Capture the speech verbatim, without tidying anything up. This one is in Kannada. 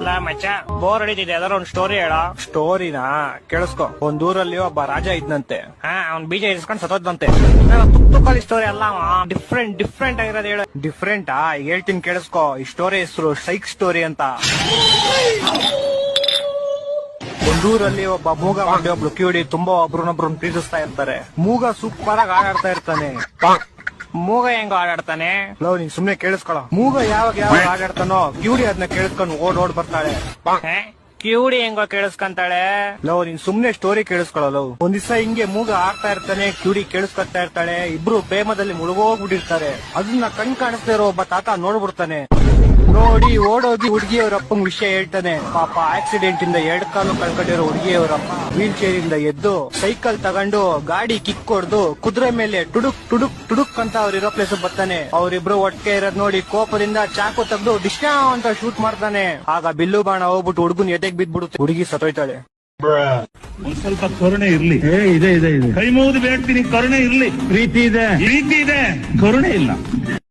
ಅಲ್ಲ ಮಚ್ಚ ಬೋರ್ ಹೊಡಿತಿದೆ ಯಾವ್ದಾರ ಒಂದ್ ಸ್ಟೋರಿ ಹೇಳ. ಸ್ಟೋರಿನಾ ಕೇಳಿಸ್ಕೊ. ಒಂದ್ ಊರಲ್ಲಿ ಒಬ್ಬ ರಾಜ ಇದ್ನಂತೆ. ಹಾ ಅವ್ನ್ ಬೀಜ ಇರಿಸ್ಕೊಂಡ್ ಸತ್ತೋದ್ನಂತೆ. ತುಕ್ ತುಕ್ಕಳಿ ಸ್ಟೋರಿ ಅಲ್ಲ ಡಿಫ್ರೆಂಟ್ ಡಿಫ್ರೆಂಟ್ ಆಗಿರೋದು ಹೇಳ. ಡಿಫ್ರೆಂಟಾ ಹೇಳ್ತೀನಿ ಕೇಳಿಸ್ಕೊ. ಈ ಸ್ಟೋರಿ ಹೆಸರು ಸೈಕ್ ಸ್ಟೋರಿ ಅಂತ. ಒಂದೂರಲ್ಲಿ ಒಬ್ಬ ಮೂಗ ಮಾಡಿ ಒಬ್ಳು ಕಿವಿಡಿ ತುಂಬಾ ಒಬ್ರನ್ನೊಬ್ರನ್ನ ಪ್ರೀತಿಸ್ತಾ ಇರ್ತಾರೆ. ಮೂಗ ಸೂಪರ್ ಆಗಿ ಆಡಾಡ್ತಾ ಇರ್ತಾನೆ. ಮೂಗ ಹೆಂಗ ಆಡಾಡ್ತಾನೆ? ಲವ್ ನೀನ್ ಸುಮ್ನೆ ಕೇಳಿಸ್ಕೊಳ. ಮೂಗ ಯಾವಾಗ ಯಾವಾಗ ಆಡಾಡ್ತಾನೋ ಕಿವಿಡಿ ಅದನ್ನ ಕೇಳಿಸ್ಕೊಂಡು ಓಡ್ ಓಡ್ ಬರ್ತಾಳೆ. ಕಿವುಡಿ ಹೆಂಗೋ ಕೇಳಿಸ್ಕೊಂತಾಳೆ? ಲವ್ ನೀನ್ ಸುಮ್ನೆ ಸ್ಟೋರಿ ಕೇಳಿಸ್ಕೊಳ. ಲವ್ ಒಂದ್ ದಿವಸ ಹಿಂಗೆ ಮೂಗ ಆಡ್ತಾ ಇರ್ತಾನೆ, ಕಿವಿಡಿ ಕೇಳಿಸ್ಕೊತಾ ಇರ್ತಾಳೆ. ಇಬ್ರು ಪ್ರೇಮದಲ್ಲಿ ಮುಳುಗೋಗ್ಬಿಟ್ಟಿರ್ತಾರೆ. ಅದನ್ನ ಕಣ್ ಕಾಣಿಸ್ತಾ ಇರೋ ಒಬ್ಬ ತಾತ ನೋಡ್ಬಿಡ್ತಾನೆ. ನೋಡಿ ಓಡೋಗಿ ಹುಡುಗಿಯವರ ಅಪ್ಪಂಗ್ ವಿಷಯ ಹೇಳ್ತಾನೆ. ಪಾಪ ಆಕ್ಸಿಡೆಂಟ್ ಇಂದ ಎರಡ್ ಕಾಲು ಕಳ್ಕೊಂಡಿರೋ ಹುಡುಗಿಯವರಪ್ಪ ವೀಲ್ ಚೇರ್ ಇಂದ ಎದ್ದು ಸೈಕಲ್ ತಗೊಂಡು ಗಾಡಿ ಕಿಕ್ ಹೊಡ್ದು ಕುದುರೆ ಮೇಲೆ ಟುಡುಕ್ ಟುಡುಕ್ ಟುಡುಕ್ ಅಂತ ಅವ್ರಿರೋ ಪ್ಲೇಸ್ ಬರ್ತಾನೆ. ಅವ್ರಿಬ್ರು ಒಟ್ಟಿಗೆ ಇರೋದ್ ನೋಡಿ ಕೋಪದಿಂದ ಚಾಕು ತೆಗ್ದು ಡಿಶ್ನಾ ಅಂತ ಶೂಟ್ ಮಾಡ್ತಾನೆ. ಆಗ ಬಿಲ್ಲು ಬಾಣ ಹೋಗ್ಬಿಟ್ಟು ಹುಡುಗನ್ ಎದೆಗ್ ಬಿದ್ಬಿಡುತ್ತೆ. ಹುಡುಗಿ ಸತ್ತೋಯ್ತಾಳೆ. ಒಂದ್ ಸ್ವಲ್ಪ ಕರುಣೆ ಇರ್ಲಿ. ಇದೆ ಇದೆ ಇದೆ. ಕೈ ಮುಗಿದು ಬೇಡ್ತೀನಿ, ಕರುಣೆ ಇರ್ಲಿ. ಪ್ರೀತಿ ಇದೆ, ಪ್ರೀತಿ ಇದೆ, ಕರುಣೆ ಇಲ್ಲ.